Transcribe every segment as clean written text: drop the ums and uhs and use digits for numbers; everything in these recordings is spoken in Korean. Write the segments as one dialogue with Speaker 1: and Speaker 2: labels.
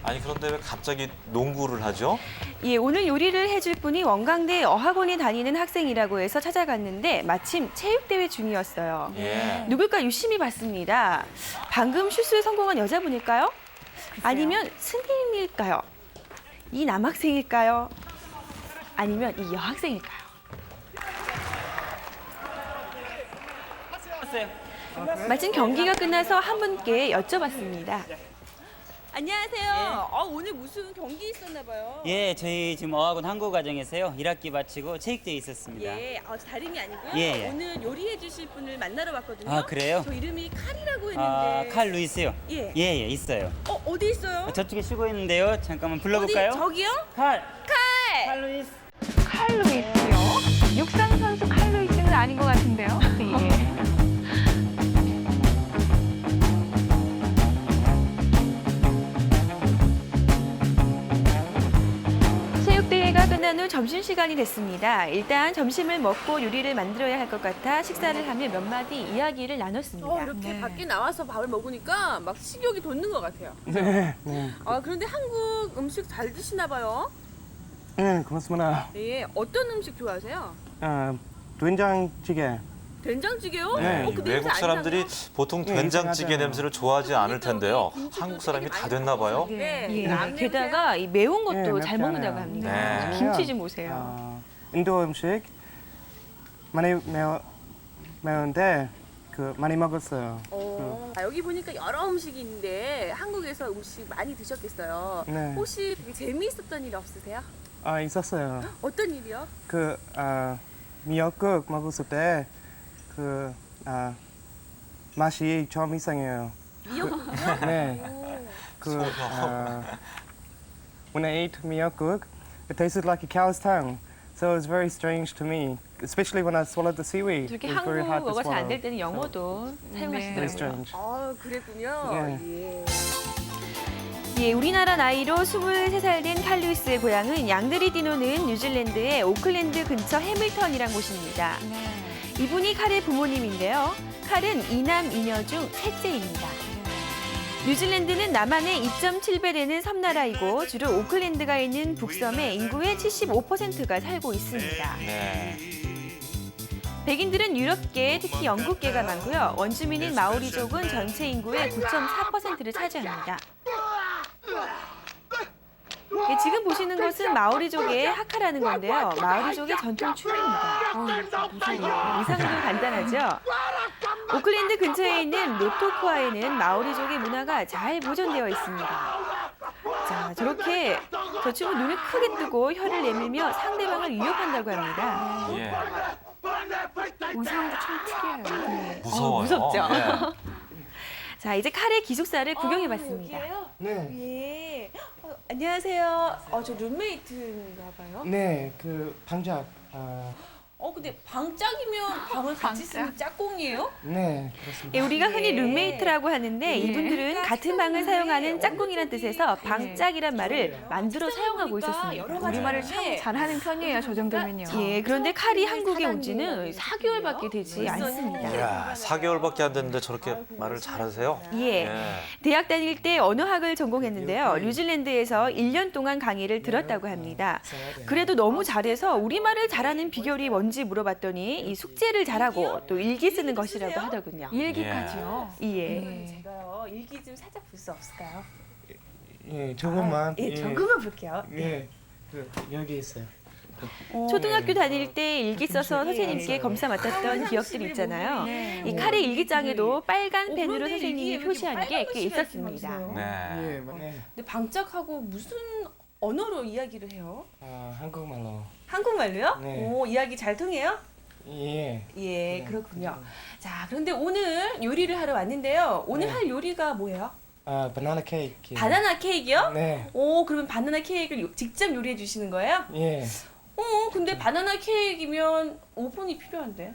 Speaker 1: 아니 그런데 왜 갑자기 농구를 하죠?
Speaker 2: 예, 오늘 요리를 해줄 분이 원광대 어학원에 다니는 학생이라고 해서 찾아갔는데 마침 체육대회 중이었어요.
Speaker 1: 예.
Speaker 2: 누굴까 유심히 봤습니다. 방금 슛을 성공한 여자분일까요? 아니면 스님일까요? 이 남학생일까요? 아니면 이 여학생일까요? 마침 경기가 끝나서 한 분께 여쭤봤습니다. 안녕하세요. 오늘 무슨 경기 있었나 봐요.
Speaker 3: 예, 저희 지금 어학원 한국과정에서요. 1학기 마치고 체육대회 있었습니다.
Speaker 2: 예, 다름이 아니고요.
Speaker 3: 예, 예.
Speaker 2: 오늘 요리해 주실 분을 만나러 왔거든요.
Speaker 3: 아, 그래요?
Speaker 2: 저 이름이 칼이라고
Speaker 3: 아,
Speaker 2: 했는데.
Speaker 3: 칼 루이스요?
Speaker 2: 예.
Speaker 3: 예, 예, 있어요.
Speaker 2: 어디 있어요?
Speaker 3: 저쪽에 쉬고 있는데요. 잠깐만 불러볼까요?
Speaker 2: 어디? 저기요?
Speaker 3: 칼!
Speaker 2: 칼!
Speaker 3: 칼 루이스!
Speaker 4: 칼로이스요? 육상 선수 칼로이스는 아닌 것 같은데요. 예.
Speaker 2: 체육대회가 끝난 후 점심시간이 됐습니다. 일단 점심을 먹고 요리를 만들어야 할 것 같아 식사를 하며 몇 마디 이야기를 나눴습니다.
Speaker 5: 이렇게 밖에 나와서 밥을 먹으니까 막 식욕이 돋는 것 같아요.
Speaker 6: 네.
Speaker 5: 그런데 한국 음식 잘 드시나 봐요.
Speaker 6: 네, 고맙습니다.
Speaker 5: 예, 어떤 음식 좋아하세요?
Speaker 6: 된장찌개.
Speaker 5: 된장찌개요?
Speaker 6: 네.
Speaker 5: 그 냄새
Speaker 1: 외국
Speaker 5: 안
Speaker 1: 사람들이
Speaker 5: 나나요?
Speaker 1: 보통
Speaker 6: 네,
Speaker 1: 된장찌개
Speaker 6: 이상하잖아요.
Speaker 1: 냄새를 좋아하지 않을 텐데요.
Speaker 5: 김치도
Speaker 1: 한국 사람이
Speaker 5: 되게
Speaker 1: 다
Speaker 5: 많이
Speaker 1: 됐나 봐요.
Speaker 5: 네.
Speaker 2: 예,
Speaker 5: 라면
Speaker 2: 게다가 이 매운 것도
Speaker 6: 네,
Speaker 2: 잘
Speaker 6: 맵지
Speaker 2: 먹는다고
Speaker 6: 않아요.
Speaker 2: 합니다.
Speaker 1: 네.
Speaker 2: 김치 좀 보세요.
Speaker 6: 인도 음식 많이 매운데 많이 먹었어요.
Speaker 5: 여기 보니까 여러 음식이 있는데 한국에서 음식 많이 드셨겠어요.
Speaker 6: 네.
Speaker 5: 혹시 되게 재미있었던 일 없으세요?
Speaker 6: 있었어요.
Speaker 5: 어떤 일이요?
Speaker 6: 미역국 먹었을 때 맛이 좀 이상해요.
Speaker 5: 미역국이요?
Speaker 6: 네. When I ate miyokguk, it tasted like a cow's tongue. So it was very strange to me, especially when I swallowed the seaweed.
Speaker 2: 저렇게
Speaker 6: It was very hard to
Speaker 2: 한국어가 잘 안
Speaker 6: swallow.
Speaker 2: 될 때는 영어도
Speaker 6: Very
Speaker 2: 사용하시더라고요.
Speaker 6: strange.
Speaker 5: 그랬군요.
Speaker 6: 네.
Speaker 5: 예.
Speaker 2: 예, 우리나라 나이로 23살 된 칼 루이스의 고향은 양들이 뛰노는 뉴질랜드의 오클랜드 근처 해밀턴이란 곳입니다. 이분이 칼의 부모님인데요. 칼은 2남 2녀 중 셋째입니다. 뉴질랜드는 남한의 2.7배 되는 섬나라이고 주로 오클랜드가 있는 북섬에 인구의 75%가 살고 있습니다.
Speaker 1: 네.
Speaker 2: 백인들은 유럽계, 특히 영국계가 많고요. 원주민인 마오리족은 전체 인구의 9.4%를 차지합니다. 예, 지금 보시는 것은 마오리족의 하카라는 건데요. 마오리족의 전통 춤입니다. 의상도 간단하죠? 오클랜드 근처에 있는 로토쿠아에는 마오리족의 문화가 잘 보존되어 있습니다. 자, 저렇게 저 춤은 눈을 크게 뜨고 혀를 내밀며 상대방을 유혹한다고 합니다.
Speaker 1: 예.
Speaker 4: 의상도 참 특이해요.
Speaker 1: 무서워요.
Speaker 2: 무섭죠?
Speaker 1: 예.
Speaker 2: 자, 이제 칼의 기숙사를 구경해봤습니다.
Speaker 5: 여기예요?
Speaker 6: 네.
Speaker 5: 예. 안녕하세요. 저 룸메이트인가 봐요.
Speaker 6: 네, 방작.
Speaker 5: 근데 방짝이면 방을 같이 쓰는 짝꿍이에요?
Speaker 6: 네, 그렇습니다.
Speaker 2: 예, 우리가 흔히
Speaker 5: 네.
Speaker 2: 룸메이트라고 하는데 이분들은 같은 방을 사용하는 짝꿍이란 뜻에서 방짝이란 말을 만들어 사용하고 있었습니다.
Speaker 4: 우리말을 참 잘하는 편이에요, 저 정도면요.
Speaker 2: 예, 그런데 칼이 한국에 온 지는 4개월밖에 되지 않습니다.
Speaker 1: 이야, 4개월밖에 안 됐는데 저렇게 말을 잘하세요?
Speaker 2: 예, 대학 다닐 때 언어학을 전공했는데요. 뉴질랜드에서 1년 동안 강의를 들었다고 합니다. 그래도 너무 잘해서 우리말을 잘하는 비결이 뭔지 물어봤더니 이 숙제를 잘하고 또 일기 쓰는 것이라고 하더군요.
Speaker 4: 일기까지요.
Speaker 2: 예.
Speaker 5: 제가요 일기 좀 살짝 볼 수 없을까요?
Speaker 6: 예, 조금만.
Speaker 5: 조금만 볼게요.
Speaker 6: 예, 여기 있어요.
Speaker 2: 초등학교 다닐 때 일기 써서 선생님께 검사 맡았던 기억들이 있잖아요. 이 칼의 일기장에도 빨간 펜으로
Speaker 5: 그런데
Speaker 2: 선생님이
Speaker 5: 일기에
Speaker 2: 표시한 게 꽤
Speaker 5: 빨간 글씨가
Speaker 2: 있었습니다.
Speaker 5: 이렇게
Speaker 1: 네.
Speaker 6: 예, 네.
Speaker 5: 근데 방짝하고 무슨 언어로 이야기를 해요?
Speaker 6: 한국말로.
Speaker 5: 한국말로요?
Speaker 6: 네.
Speaker 5: 오, 이야기 잘 통해요?
Speaker 6: 예.
Speaker 5: 예, 그렇군요. 자, 그런데 오늘 요리를 하러 왔는데요. 오늘
Speaker 6: 네.
Speaker 5: 할 요리가 뭐예요?
Speaker 6: 바나나 케이크.
Speaker 5: 바나나 케이크요?
Speaker 6: 네.
Speaker 5: 오, 그러면 바나나 케이크를 직접 요리해 주시는 거예요?
Speaker 6: 예.
Speaker 5: 근데 바나나 케이크면 오븐이 필요한데.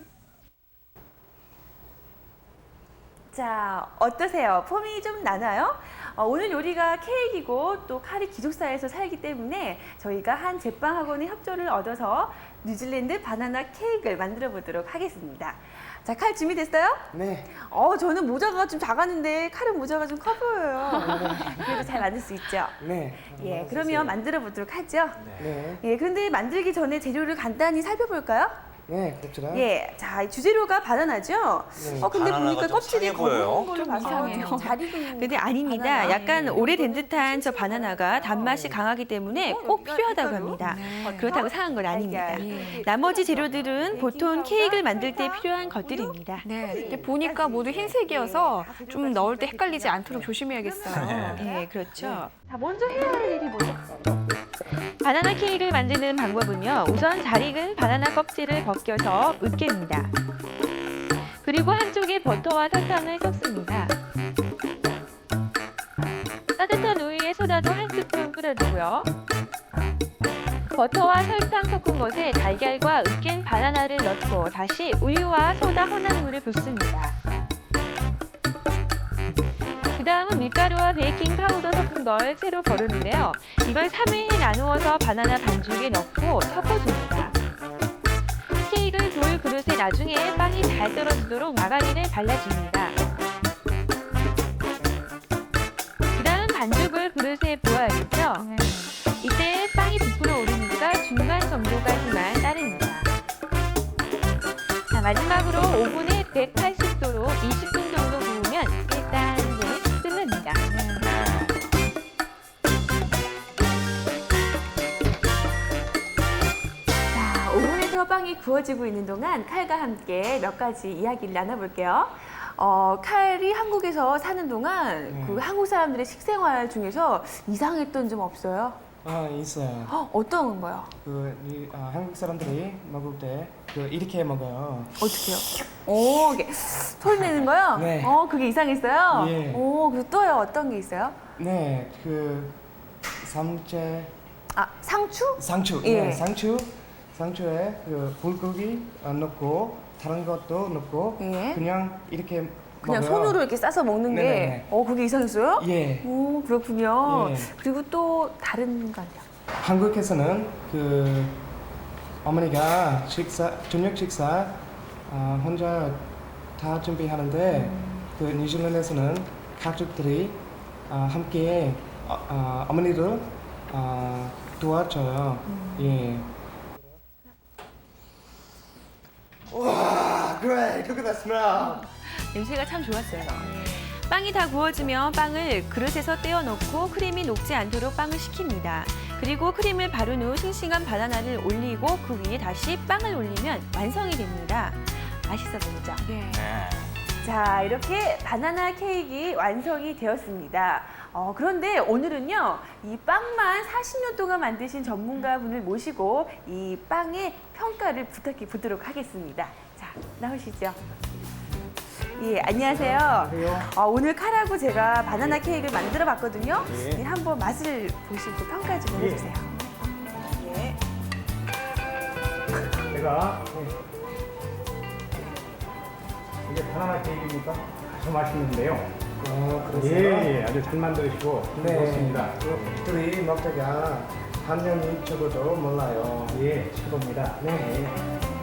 Speaker 2: 자, 어떠세요? 폼이 좀 나나요? 오늘 요리가 케이크이고 또 칼이 기숙사에서 살기 때문에 저희가 한 제빵학원의 협조를 얻어서 뉴질랜드 바나나 케이크를 만들어 보도록 하겠습니다. 자, 칼 준비됐어요?
Speaker 6: 네.
Speaker 2: 저는 모자가 좀 작았는데 칼은 모자가 좀 커 보여요. 그래도 잘 만들 수 있죠?
Speaker 6: 네.
Speaker 2: 예, 그러면 만들어 보도록 하죠.
Speaker 6: 네.
Speaker 2: 예, 그런데 만들기 전에 재료를 간단히 살펴볼까요?
Speaker 6: 네, 그렇죠.
Speaker 2: 예, 자, 이 주재료가 바나나죠?
Speaker 6: 네.
Speaker 2: 근데
Speaker 1: 바나나가
Speaker 2: 보니까
Speaker 1: 좀
Speaker 2: 껍질이
Speaker 1: 상해 보여요.
Speaker 2: 검은 걸로
Speaker 4: 좀
Speaker 2: 봐서
Speaker 4: 이상해요.
Speaker 2: 좀 잘 익은. 근데 아닙니다.
Speaker 5: 바나나.
Speaker 2: 약간 오래된 듯한 저 바나나가 단맛이 강하기 때문에 꼭 필요하다고 합니다. 그렇다고 상한 건 아닙니다. 나머지 재료들은 보통 케이크를 만들 때 필요한 것들입니다.
Speaker 4: 네, 이렇게 보니까 모두 흰색이어서 좀 넣을 때 헷갈리지 않도록 조심해야겠어요.
Speaker 2: 네, 그렇죠. 자, 먼저 해야 할 일이 뭐죠? 바나나 케이크를 만드는 방법은요. 우선 잘 익은 바나나 껍질을 벗겨서 으깹니다. 그리고 한쪽에 버터와 설탕을 섞습니다. 따뜻한 우유에 소다도 한 스푼 뿌려주고요. 버터와 설탕 섞은 것에 달걀과 으깬 바나나를 넣고 다시 우유와 소다 혼합 물을 붓습니다. 그 다음은 밀가루와 베이킹 파우더 섞은 걸 채로 거르는데요. 이걸 3회에 나누어서 바나나 반죽에 넣고 섞어줍니다. 케이크를 돌 그릇에 나중에 빵이 잘 떨어지도록 마가린을 발라줍니다. 그 다음 반죽을 그릇에 부어야겠죠. 이때 빵이 부풀어 오르니까 중간 정도까지만 따릅니다. 자, 마지막으로 오븐에 180도로 20분 정도 구우면 1단계 끝납니다. 자, 오븐에서 빵이 구워지고 있는 동안 칼과 함께 몇 가지 이야기를 나눠볼게요. 칼이 한국에서 사는 동안 그 한국 사람들의 식생활 중에서 이상했던 점 없어요?
Speaker 6: 있어요.
Speaker 2: 어떤 거요?
Speaker 6: 한국 사람들이 먹을 때 이렇게 먹어요.
Speaker 2: 어떻게요? 이게 소리 내는 거요?
Speaker 6: 네.
Speaker 2: 그게 이상했어요?
Speaker 6: 예.
Speaker 2: 그리고 또요? 어떤 게 있어요?
Speaker 6: 네, 상추.
Speaker 2: 상추?
Speaker 6: 네,
Speaker 2: 예.
Speaker 6: 상추에 불고기 넣고 다른 것도 넣고
Speaker 2: 예.
Speaker 6: 그냥 이렇게
Speaker 2: 그냥
Speaker 6: 먹어요.
Speaker 2: 손으로 이렇게 싸서 먹는 게,
Speaker 6: 네네네.
Speaker 2: 그게 이상했어요?
Speaker 6: 예.
Speaker 2: 그렇군요.
Speaker 6: 예.
Speaker 2: 그리고 또 다른 거요?
Speaker 6: 한국에서는 어머니가 저녁 식사 혼자 다 준비하는데 뉴질랜드에서는 가족들이 함께 어머니를 도와줘요. 예. 와, great! Look at that smell.
Speaker 2: 냄새가 참 좋았어요. 빵이 다 구워지면 빵을 그릇에서 떼어 넣고 크림이 녹지 않도록 빵을 식힙니다. 그리고 크림을 바른 후 싱싱한 바나나를 올리고 그 위에 다시 빵을 올리면 완성이 됩니다. 맛있어 보이죠?
Speaker 4: 네.
Speaker 2: 자, 이렇게 바나나 케이크 완성이 되었습니다. 그런데 오늘은요, 이 빵만 40년 동안 만드신 전문가분을 모시고 이 빵의 평가를 부탁해 보도록 하겠습니다. 자, 나오시죠. 예, 안녕하세요. 오늘 칼하고 제가 바나나 케이크를 만들어 봤거든요.
Speaker 6: 예.
Speaker 2: 네, 한번 맛을 보시고 평가 좀 해주세요. 예.
Speaker 7: 제가 이게 바나나 케이크니까 아주 맛있는데요.
Speaker 6: 그러세요?
Speaker 7: 아주 잘 만드시고 좋습니다.
Speaker 6: 둘이 먹다가 한 명이 적어도 몰라요.
Speaker 7: 예, 최고입니다.
Speaker 6: 네.